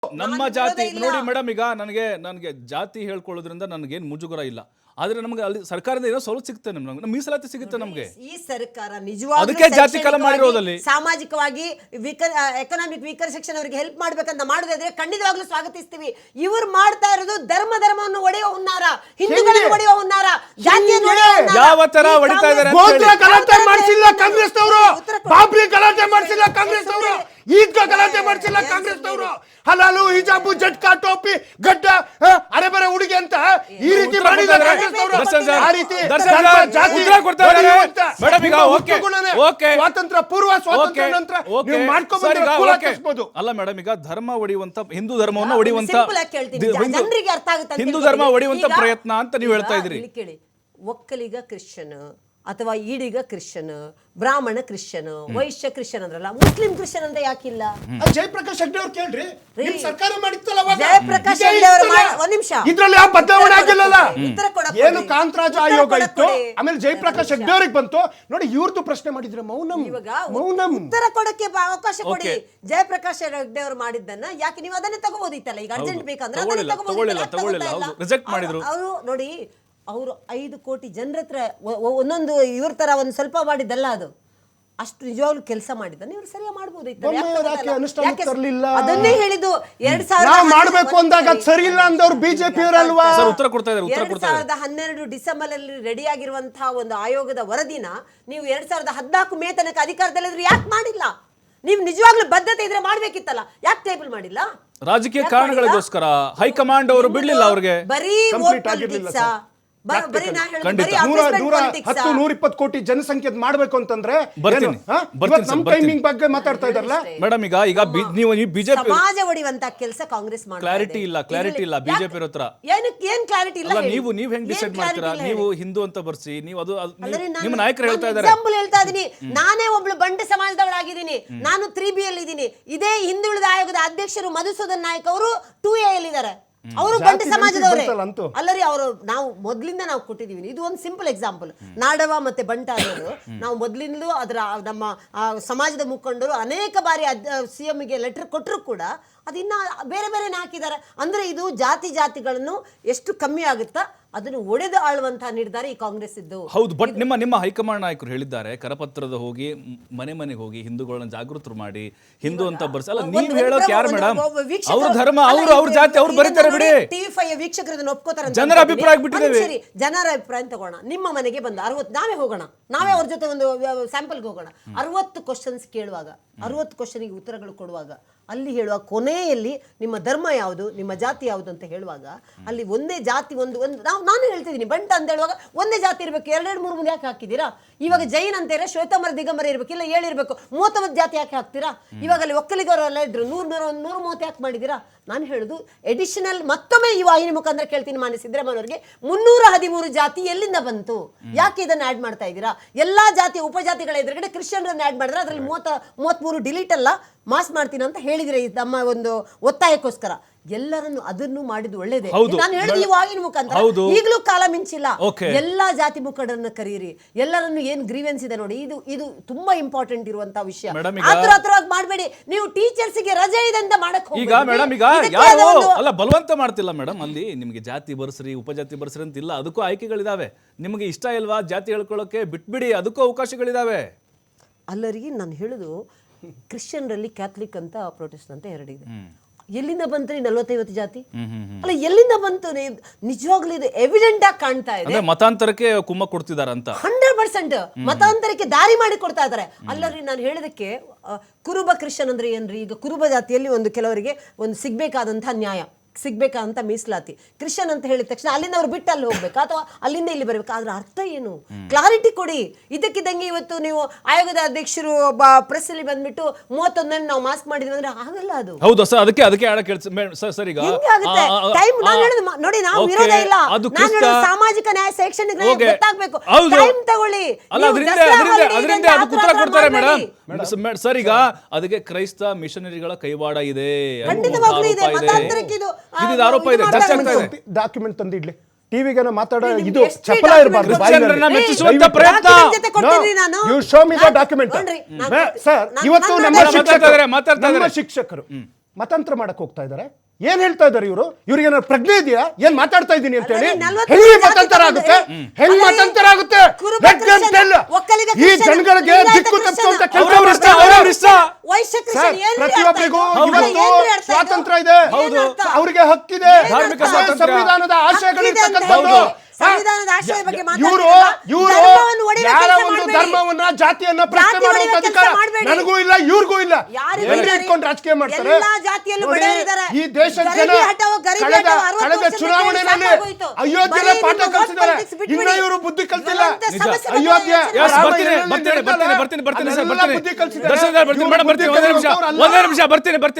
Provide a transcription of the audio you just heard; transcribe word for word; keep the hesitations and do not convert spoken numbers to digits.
ನಮ್ಮ ಜಾತಿ ನೋಡಿ ಮೇಡಮ್, ಈಗ ನನಗೆ ನನಗೆ ಜಾತಿ ಹೇಳ್ಕೊಳ್ಳೋದ್ರಿಂದ ನನಗೇನು ಮುಜುಗರ ಇಲ್ಲ. ಆದ್ರೆ ನಮಗೆ ಅಲ್ಲಿ ಸರ್ಕಾರದಿಂದ ಏನೋ ಸವಲತ್ತು ಸಿಗುತ್ತೆ, ನಮ್ಗೆ ಮೀಸಲಾತಿ ಸಿಗುತ್ತೆ ನಮಗೆ. ಈ ಸರ್ಕಾರ ನಿಜವಾಗ್ಲೂ ಅದಕ್ಕೆ ಜಾತಿ ಕಾಲ ಮಾಡಿರೋದಲ್ಲಿ ಸಾಮಾಜಿಕವಾಗಿ ಎಕನಾಮಿಕ್ ವೀಕರ್ ಸೆಕ್ಷನ್ ಅವರಿಗೆ ಹೆಲ್ಪ್ ಮಾಡ್ಬೇಕಂತ ಮಾಡೋದಾದ್ರೆ ಖಂಡಿತವಾಗ್ಲೂ ಸ್ವಾಗತಿಸ್ತೀವಿ. ಇವರು ಮಾಡ್ತಾ ಇರೋದು ಧರ್ಮ ಧರ್ಮವನ್ನು ಒಡೆಯುವ ಹುನ್ನಾರ, ಹಿಂದೂಗಳನ್ನು ಒಡೆಯುವ ಹುನ್ನಾರ, ಜಾತಿಯನ್ನು ಯಾವ ತರ ಹೊಡಿತಾ ಇದ್ದಾರೆ. ಗೋತ್ರ ಗಲಾಟೆ ಮಾಡಿಸಿಲ್ಲ ಕಾಂಗ್ರೆಸ್ ಅವರು, ಬಾಬ್ರಿ ಗಲಾಟೆ ಮಾಡಿಸಿಲ್ಲ ಕಾಂಗ್ರೆಸ್ ಅವರು, ಈಗ ಗಲಾಟೆ ಮಾಡಿಸಿಲ್ಲ ಕಾಂಗ್ರೆಸ್ ಅವರು. ಹಲಾಲು ಹಿಜಾಬು ಜಟ್ಕಾ ಟೋಪಿ ಗಡ್ಡ ಅರೆ ಬರೆ ಹುಡುಗಿ ಅಂತ ಈ ರೀತಿ ಮಾಡಿದ್ದಾರೆ ಸ್ವಾತಂತ್ರ್ಯ ಪೂರ್ವ ಸ್ವಾತಂತ್ರ್ಯ ನಂತರ ಮಾಡ್ಕೋಬಹುದು. ಅಲ್ಲ ಮೇಡಮ್, ಈಗ ಧರ್ಮ ಒಡೆಯುವಂತ ಹಿಂದೂ ಧರ್ಮವನ್ನು ಒಡೆಯುವಂತ ಹಿಂದೂ ಧರ್ಮ ಒಡೆಯುವಂತ ಪ್ರಯತ್ನ ಅಂತ ನೀವು ಹೇಳ್ತಾ ಇದ್ರಿ. ಕೇಳಿ, ಒಕ್ಕಲಿಗ ಕ್ರಿಶ್ಚಿಯನ್ ಅಥವಾ Idiga Christian, Brahmin Christian, Vaishya Christian ಅಂದ್ರಲ್ಲ, ಮುಸ್ಲಿಂ ಕ್ರಿಶ್ಚಿಯನ್ ಅಂತ ಯಾಕಿಲ್ಲ? ಜಯಪ್ರಕಾಶ್ ಹೆಗ್ಡೆ ಅವ್ರು ಕೇಳ್ರಿ, ಸರ್ಕಾರ ಮಾಡಿತ್ತಲ್ಲ ಜಯಪ್ರಕಾಶ್ ಹೆಗ್ಡೆ ಅವರು ಒಂದ್ ನಿಮಿಷ ಇದ್ರಲ್ಲಿ ಯಾವ ಬದಲಾವಣೆ ಆಗಿಲ್ಲಲ್ಲ. ಏನು ಕಾಂತರಾಜ ಆಯೋಗ ಇತ್ತು, ಆಮೇಲೆ ಜಯಪ್ರಕಾಶ್ ಹೆಗ್ಡೆ ಅವ್ರಿಗೆ ಬಂತು ನೋಡಿ, ಇವ್ರದ್ದು ಪ್ರಶ್ನೆ ಮಾಡಿದ್ರೆ ಮೌನಂ ಮೌನಂ ಉತ್ತರ ಕೊಡಕ್ಕೆ ಅವಕಾಶ ಕೊಡಿ. ಜಯಪ್ರಕಾಶ್ ಹೆಗ್ಡೆ ಅವರು ಮಾಡಿದ್ದನ್ನ ಯಾಕೆ ನೀವು ಅದನ್ನೇ ತಗೋಬೋದಿತ್ತಲ್ಲ? ಈಗ ಅರ್ಜೆಂಟ್ ಬೇಕಂದ್ರೆ ಅವರು ನೋಡಿ, ಅವರು ಐದು ಕೋಟಿ ಜನರ ಹತ್ರ ಒಂದೊಂದು ಇವ್ರ ತರ ಒಂದು ಸ್ವಲ್ಪ ಮಾಡಿದ್ದಲ್ಲ, ಅದು ಅಷ್ಟು ನಿಜವಾಗ್ಲೂ ಕೆಲಸ ಮಾಡಿದ್ದನ್ನ ಇವ್ರು ಸರಿಯಾಗಿ ಮಾಡ್ಬೋದಿತ್ತು. ಅದನ್ನೇ ಹೇಳಿದ್ದು ಎರಡ್ ಸಾವಿರದ ಮಾಡಬೇಕು ಅಂದಾಗ ಸರಿ ಇಲ್ಲ ಅಂದವ್ರು ಬಿಜೆಪಿ ಅವರಲ್ವಾ? ಉತ್ತರ ಕೊಡ್ತಾ ಇದ್ದಾರೆ. ಎರಡ್ ಸಾವಿರದ ಹನ್ನೆರಡು ಡಿಸೆಂಬರ್ ಅಲ್ಲಿ ರೆಡಿ ಆಗಿರುವಂತಹ ಒಂದು ಆಯೋಗದ ವರದಿನ ನೀವು ಎರಡ್ ಸಾವಿರದ ಹದಿನಾಲ್ಕು ಮೇ ತನಕ ಅಧಿಕಾರದಲ್ಲಿದ್ರು ಯಾಕೆ ಮಾಡಿಲ್ಲ? ನೀವು ನಿಜವಾಗ್ಲೂ ಬದ್ಧತೆ ಇದ್ರೆ ಮಾಡ್ಬೇಕಿತ್ತಲ್ಲ, ಯಾಕೆ ಟೇಬಲ್ ಮಾಡಿಲ್ಲ? ರಾಜಕೀಯ ಕಾರಣಗಳಿಗೋಸ್ಕರ ಹೈಕಮಾಂಡ್ ಅವರು ಬಿಡ್ಲಿಲ್ಲ ಅವ್ರಿಗೆ. ಬರೀ ವೋಟ್ ಪಾಲಿಟಿಕ್ಸ್, ಹತ್ತು ನೂರ ಇಪ್ಪತ್ತು ಕೋಟಿ ಜನಸಂಖ್ಯೆ ಮಾಡ್ಬೇಕು ಅಂತಂದ್ರೆ ನಮ್ ಟೈಮಿಂಗ್ ಬಗ್ಗೆ ಮಾತಾಡ್ತಾ ಇದಾರಲ್ಲ ಮೇಡಮ್. ಈಗ ಈಗ ನೀವು ಬಿಜೆಪಿ ಸಮಾಜ ಒಡೆಯುವಂತ ಕೆಲಸ ಕಾಂಗ್ರೆಸ್ ಮಾಡಿ ಕ್ಲಾರಿಟಿ ಇಲ್ಲ, ಕ್ಲಾರಿಟಿ ಇಲ್ಲ ಬಿಜೆಪಿ ಹತ್ರ. ಏನ್ ಕ್ಲಾರಿಟಿ ಇಲ್ಲ? ನೀವು ನೀವು ಹೆಂಗ್ ಡಿಸೈಡ್ ಮಾಡ್ತೀರಾ? ನೀವು ಹಿಂದೂ ಅಂತ ಬರ್ಸಿ, ನೀವು ಅದು ನಿಮ್ಮ ನಾಯಕರು ಹೇಳ್ತಾ ಇದ್ದಾರೆ. ಎಕ್ಸಾಂಪಲ್ ಹೇಳ್ತಾ ಇದೀನಿ, ನಾನೇ ಒಬ್ಳು ಬಂಡೆ ಸಮಾಜದವಳಾಗಿದ್ದೀನಿ, ನಾನು ತ್ರೀ ಬಿ ಅಲ್ಲಿ ಇದ್ದೀನಿ. ಇದೇ ಹಿಂದುಳಿದ ಆಯೋಗದ ಅಧ್ಯಕ್ಷರು ಮಧುಸೂದನ್ ನಾಯಕ್ ಅವರು ಟೂ ಎ ಅಲ್ಲಿ ಇದ್ದಾರೆ. ಅವರು ಬಂಡೆ ಸಮಾಜದವರೇ ಅಲ್ಲರಿ. ಅವರು ನಾವು ಮೊದ್ಲಿಂದ ನಾವು ಕೊಟ್ಟಿದೀವಿ. ಇದು ಒಂದು ಸಿಂಪಲ್ ಎಕ್ಸಾಂಪಲ್. ನಾಡವ ಮತ್ತೆ ಬಂಟ ಅನ್ನೋದು ನಾವು ಮೊದ್ಲಿಂದಲೂ ಅದರ ನಮ್ಮ ಸಮಾಜದ ಮುಖಂಡರು ಅನೇಕ ಬಾರಿ ಸಿಎಂ ಗೆ ಲೆಟರ್ ಕೊಟ್ಟರು ಕೂಡ ಅದಿನ್ನ ಬೇರೆ ಬೇರೆ ಹಾಕಿದ್ದಾರೆ. ಅಂದ್ರೆ ಇದು ಜಾತಿ ಜಾತಿಗಳನ್ನು ಎಷ್ಟು ಕಮ್ಮಿ ಆಗುತ್ತಾ ಅದನ್ನು ಒಡೆದು ಆಳುವಂತಹ ನಿರ್ಧಾರ ಈ ಕಾಂಗ್ರೆಸ್ ಇದ್ದು. ಹೌದು, ಬಟ್ ನಿಮ್ಮ ನಿಮ್ಮ ಹೈಕಮಾಂಡ್ ನಾಯಕರು ಹೇಳಿದ್ದಾರೆ, ಕರಪತ್ರದ ಹೋಗಿ ಮನೆ ಮನೆಗೆ ಹೋಗಿ ಹಿಂದೂಗಳನ್ನ ಜಾಗೃತರು ಮಾಡಿ ಹಿಂದೂ ಅಂತ ಬರ್ಸಲ್ಲ. ನೀವು ಹೇಳೋಕೆ ಯಾರು ಮೇಡಮ್? ಅವ್ರ ಧರ್ಮ, ಅವ್ರು ಅವ್ರ ಜಾತಿ ಅವ್ರು ಬರೀತಾರೆ ಬಿಡಿ. ಟಿವಿ ಫೈವ್ ವೀಕ್ಷಕರು ಇದನ್ನ ಒಪ್ಕೋತಾರೆ. ಜನರ ಅಭಿಪ್ರಾಯ ಬಿಟ್ಟಿದ್ದೇವೆ. ಜನರ ಅಭಿಪ್ರಾಯ ತಗೋಣ. ನಿಮ್ಮ ಮನೆಗೆ ಬಂದು ಅರವತ್ತು ನಾವೇ ಹೋಗೋಣ, ನಾವೇ ಅವ್ರ ಜೊತೆ ಒಂದು ಸ್ಯಾಂಪಲ್ಗೆ ಹೋಗೋಣ. ಅರವತ್ತು ಕ್ವಶನ್ಸ್ ಕೇಳುವಾಗ, ಅರವತ್ತು ಕ್ವಶನ್ಗೆ ಉತ್ತರಗಳು ಕೊಡುವಾಗ ಅಲ್ಲಿ ಹೇಳುವ ಕೊನೆಯಲ್ಲಿ ನಿಮ್ಮ ಧರ್ಮ ಯಾವುದು, ನಿಮ್ಮ ಜಾತಿ ಯಾವುದು ಅಂತ ಹೇಳುವಾಗ ಅಲ್ಲಿ ಒಂದೇ ಜಾತಿ ಒಂದು ಒಂದು ನಾವು ನಾನು ಹೇಳ್ತಿದ್ದೀನಿ ಬಂಟ ಅಂತ ಹೇಳುವಾಗ ಒಂದೇ ಜಾತಿ ಇರಬೇಕು. ಎರಡೆರಡು ಮೂರು ಮುಂದೆ ಯಾಕೆ ಹಾಕಿದ್ದೀರಾ? ಇವಾಗ ಜೈನ್ ಅಂತ ಇರೋ ಶ್ವೇತಂಬರ ದಿಗಂಬರ ಇರಬೇಕು, ಇಲ್ಲ ಹೇಳಿರ್ಬೇಕು. ಮೂವತ್ತೊಂಬತ್ತು ಜಾತಿ ಯಾಕೆ ಹಾಕ್ತೀರಾ? ಇವಾಗ ಅಲ್ಲಿ ಒಕ್ಕಲಿಗರೆಲ್ಲ ಇದ್ರು, ನೂರ ನೂರ ಒಂದು ನೂರ ಮೂವತ್ತು ಯಾಕೆ ಮಾಡಿದ್ದೀರಾ? ನಾನು ಹೇಳುದು ಎಡಿಷನಲ್ ಮತ್ತೊಮ್ಮೆ ಈ ವಾಹಿನಿ ಮುಖಾಂತರ ಕೇಳ್ತೀನಿ ಮಾನ್ಯ ಸಿದ್ದರಾಮಯ್ಯವರಿಗೆ, ಮುನ್ನೂರ ಹದಿಮೂರು ಜಾತಿ ಎಲ್ಲಿಂದ ಬಂತು? ಯಾಕೆ ಇದನ್ನು ಆಡ್ ಮಾಡ್ತಾ ಇದ್ದೀರಾ? ಎಲ್ಲಾ ಜಾತಿಯ ಉಪಜಾತಿಗಳ ಎದುರುಗಡೆ ಕ್ರಿಶ್ಚಿಯನ್ರನ್ನ ಆಡ್ ಮಾಡಿದ್ರೆ ಅದರಲ್ಲಿ ಮೂವತ್ತ ಮೂವತ್ಮೂರು ಡಿಲೀಟ್ ಅಲ್ಲ ಮಾಸ್ ಮಾಡ್ತೀನಿ ಅಂತ ಹೇಳಿದ್ರೆ ನಮ್ಮ ಒಂದು ಒತ್ತಾಯಕ್ಕೋಸ್ಕರ ಎಲ್ಲರನ್ನು ಅದನ್ನು ಮಾಡಿದ್ದು ಒಳ್ಳೇದೇ. ನಾನು ಹೇಳಿದ ಈ ವಾಹಿನಿ ಮುಖಾಂತರ ಈಗಲೂ ಕಾಲ ಮಿಂಚಿಲ್ಲ. ಎಲ್ಲಾ ಜಾತಿ ಮುಖಂಡರನ್ನ ಕರೀರಿ, ಎಲ್ಲರನ್ನು ಏನ್ ಗ್ರೀವೆನ್ಸ್ ಇದೆ ನೋಡಿ. ಇದು ಇದು ತುಂಬಾ ಇಂಪಾರ್ಟೆಂಟ್ ಇರುವಂತಹ ವಿಷಯ. ಆತರ ಆತರವಾಗಿ ಮಾಡಬೇಡಿ. ನೀವು ಟೀಚರ್ಸ್ ಗೆ ರಜೆ ಇದೆ ಅಂತ ಮಾಡಕ್ ಹೋಗಿ ಈಗ ಮೇಡಮ್, ಈಗ ಯಾರು ಅಲ್ಲ ಬಲವಂತ ಮಾಡ್ತಿಲ್ಲ ಮೇಡಮ್. ಅಲ್ಲಿ ನಿಮಗೆ ಜಾತಿ ಬರ್ಸ್ರಿ, ಉಪಜಾತಿ ಬರ್ಸ್ರಿ ಅಂತ ಇಲ್ಲ. ಅದಕ್ಕೂ ಆಯ್ಕೆಗಳಿದಾವೆ. ನಿಮಗೆ ಇಷ್ಟ ಇಲ್ವಾ ಜಾತಿ ಹೇಳ್ಕೊಳ್ಳೋಕೆ ಬಿಟ್ಬಿಡಿ, ಅದಕ್ಕೂ ಅವಕಾಶಗಳಿದಾವೆ. ಅಲ್ಲರಿಗೆ ನಾನು ಹೇಳುದು, ಕ್ರಿಶ್ಚಿಯನ್ರಲ್ಲಿ ಕ್ಯಾಥಲಿಕ್ ಅಂತ ಪ್ರೊಟೆಸ್ಟೆಂಟ್ ಅಂತ ಎರಡಿದೆ. ಎಲ್ಲಿಂದ ಬಂತು ನಲ್ವತ್ತೈವತ್ತು ಜಾತಿ? ಅಲ್ಲ ಎಲ್ಲಿಂದ ಬಂತು? ನಿಜವಾಗ್ಲೂ ಇದು ಎವಿಡೆಂಟ್ ಆಗಿ ಕಾಣ್ತಾ ಇದೆ. ಮತಾಂತರಕ್ಕೆ ಕುಮ್ಮ ಕೊಡ್ತಿದ್ದಾರೆ ಅಂತ ಹಂಡ್ರೆಡ್ ಪರ್ಸೆಂಟ್ ಮತಾಂತರಕ್ಕೆ ದಾರಿ ಮಾಡಿ ಕೊಡ್ತಾ ಇದ್ದಾರೆ. ಅಲ್ಲರಿ ನಾನು ಹೇಳೋದಕ್ಕೆ ಕುರುಬ ಕ್ರಿಶ್ಚಿಯನ್ ಅಂದ್ರೆ ಏನ್ರಿ? ಈಗ ಕುರುಬ ಜಾತಿಯಲ್ಲಿ ಒಂದು ಕೆಲವರಿಗೆ ಒಂದು ಸಿಗ್ಬೇಕಾದಂತಹ ನ್ಯಾಯ, ಸಿಗ್ಬೇಕಾದಂತ ಮೀಸಲಾತಿ. ಕ್ರಿಶ್ಚಿಯನ್ ಅಂತ ಹೇಳಿದ ತಕ್ಷಣ ಅಲ್ಲಿಂದ ಅವ್ರು ಬಿಟ್ಟು ಅಲ್ಲಿ ಹೋಗ್ಬೇಕಾ ಅಥವಾ ಅಲ್ಲಿಂದ ಇಲ್ಲಿ ಬರ್ಬೇಕಾ? ಅದ್ರ ಅರ್ಥ ಏನು? ಕ್ಲಾರಿಟಿ ಕೊಡಿ. ಇದಕ್ಕಿದ್ದಂಗೆ ಇವತ್ತು ನೀವು ಆಯೋಗದ ಅಧ್ಯಕ್ಷರು ಪ್ರೆಸ್ ಅಲ್ಲಿ ಬಂದ್ಬಿಟ್ಟು ಮೂವತ್ತೊಂದನ್ನು ನಾವು ಮಾಸ್ಕ್ ಮಾಡಿದ್ವಿ ಅಂದ್ರೆ ಆಗಲ್ಲ. ಅದು ಹೌದು ಸರ್, ಅದಕ್ಕೆ ಅದಕ್ಕೆ ಸರ್ ಈಗ ನೋಡಿ, ನಾವು ವಿರೋಧ ಇಲ್ಲ. ಸಾಮಾಜಿಕ ನ್ಯಾಯ ಶೈಕ್ಷಣಿಕ ಗೊತ್ತಾಗ್ಬೇಕು. ಟೈಮ್ ತಗೊಳ್ಳಿ. ಅದರಿಂದ ಅದಕ್ಕೆ ಉತ್ತರ ಕೊಡ್ತಾರೆ ಮೇಡಮ್. ಸರ್ ಈಗ ಅದಕ್ಕೆ ಕ್ರೈಸ್ತ ಮಿಷನರಿಗಳ ಕೈವಾಡ ಇದೆ, ಆರೋಪ ಇದೆ, ಚರ್ಚೆ ಆಗ್ತಾ ಇದೆ. ಡಾಕ್ಯುಮೆಂಟ್ ತಂದಿಡ್ಲಿ ಟಿವಿಗೆ ಮಾತಾಡೋ ಇದು ಚಪಲ ಇರಬಾರ್ದು. You show me the document. Sir ಇವತ್ತು ನಮ್ಮ ಶಿಕ್ಷಕರು ಮತಾಂತರ ಮಾಡಕ್ ಹೋಗ್ತಾ ಇದ್ದಾರೆ. ಏನ್ ಹೇಳ್ತಾ ಇದ್ದಾರೆ ಇವರು? ಇವ್ರಿಗೆ ಏನಾದ್ರು ಪ್ರಜ್ಞೆ ಇದೆಯಾ? ಏನ್ ಮಾತಾಡ್ತಾ ಇದ್ದೀನಿ ಅಂತ ಹೇಳಿ? ಅಲ್ಲರಿ, ನಲ್ವತ್ತು ಹೆಂಗ್ ಜಾತಿ ಮತಾಂತರ ಆಗುತ್ತೆ? ಹ್ಮ್. ಹೆಂಗ್ ಅಲ್ಲರಿ, ಮತಾಂತರ ಆಗುತ್ತೆ? Kuruba Let them Christian, tell. Vokkaliga ಈ ಕ್ರಿಶ್ಚಿಯನ್, ಜನಗಳಿಗೆ ಲಿಂಗಾಯತ ದಿಕ್ಕು ತಪ್ಪುವಂತ ಕ್ರಿಶ್ಚಿಯನ್, ಕೆಲಸ ಅವ್ರವ್ರ ಇಷ್ಟ, ಮಾಡ್ತಾ ಅವ್ರವ್ರ ಇಷ್ಟ. ವೈಶ್ಯ ಸರ್, ಕ್ರಿಶ್ಚಿಯನ್ ಏನ್ರಿ ಪ್ರತಿಯೊಬ್ಬರಿಗೂ ಅರ್ಥ ಇದು? ಇವತ್ತು ಏನ್ರಿ ಅರ್ಥ ಇದು? ಸ್ವಾತಂತ್ರ್ಯ ಇದೆ, ಏನ್ ಅರ್ಥ? ಅವರಿಗೆ ಹಕ್ಕಿದೆ, ಧಾರ್ಮಿಕ ಅದೇ ಸ್ವಾತಂತ್ರ್ಯ. ಸಂವಿಧಾನದ ಆಶಯಗಳು ಹಕ್ಕಿದೆ ಅಂತ ಇರ್ತಕ್ಕಂಥದ್ದು. ಹೇಳಿ, ಸಂವಿಧಾನದ ಆಶಯದ ಬಗ್ಗೆ ಇವರು ಮಾತಾಡ್ತಿರಲ್ಲ, ಇವರು ಧರ್ಮವನ್ನು ಒಡೆಯುವ ಯಾರ ಕೆಲಸ ಒಂದು ಮಾಡ್ಬೇಡಿ. ಧರ್ಮವನ್ನ ಜಾತಿಯನ್ನ ಪ್ರಶ್ನೆ ಜಾತಿ ಮಾಡುವಂತ ಒಡೆಯುವ ಅಧಿಕಾರ ಕೆಲಸ ಮಾಡ್ಬೇಡಿ. ನನಗೂ ಇಲ್ಲ, ಇವ್ರಿಗೂ ಇಲ್ಲ. ಯಾರಿಗೂ ಎಲ್ಲಿ ಇಲ್ಲ ರೀ? ಇಟ್ಕೊಂಡು ರಾಜಕೀಯ ಮಾಡ್ತಾರೆ? ಎಲ್ಲಾ ಜಾತಿಯಲ್ಲೂ ನೋಡಿ, ಬಡವರಿದ್ದಾರೆ. ಈ ದೇಶದ ಜನ ಗರೀಬಿ ಹಟಾವೋ, ಗರೀಬಿ ಕಳೆದ ಹಟಾವೋ ಅರವತ್ತು ಕಳೆದ ವರ್ಷದಿಂದ ಚುನಾವಣೆಯಲ್ಲಿ ಸಾಕಾಗೋಯ್ತು. ಅಯೋಧ್ಯೆಯ ಬರೀ ಪಾಠ ನಿಮ್ಮ ಕಲಿಸಿದ್ದಾರೆ. politics ಬಿಟ್ಬಿಡಿ. ಇನ್ನ ಇವರು ಬುದ್ಧಿ ಕಲಿಸಿಲ್ಲ. ಇವರಂತೆ ಸಮಸ್ಯೆ ಬಗ್ಗೆ ಅಯೋಧ್ಯೆ ಯೋಚನೆ Yes, ರಾಮ ಬರ್ತೀನಿ, ಎಲ್ಲೆಲ್ಲಿ ಬರ್ತೀನಿ, ನಡೀತಲ್ಲ, ಬರ್ತೀನಿ, ಬರ್ತೀನಿ, ಬರ್ತೀನಿ, ಸರ್, ಅಲ್ಲೆಲ್ಲ ಬರ್ತೀನಿ. ಬುದ್ಧಿ ಕಲಿಸಿದ್ದಾರೆ. ದರ್ಶನ್ ಸರ್, ಬರ್ತೀನಿ, ಇವ್ರು ಮೇಡಮ್, ಬರ್ತೀನಿ, ಬುದ್ಧಿ ಒಂದೇ ನಿಮಿಷ, ಕಲಿಯೋರು ಅಲ್ಲ. ಒಂದೇ ನಿಮಿಷ, ಬರ್ತೀನಿ, ಬರ್ತೀನಿ.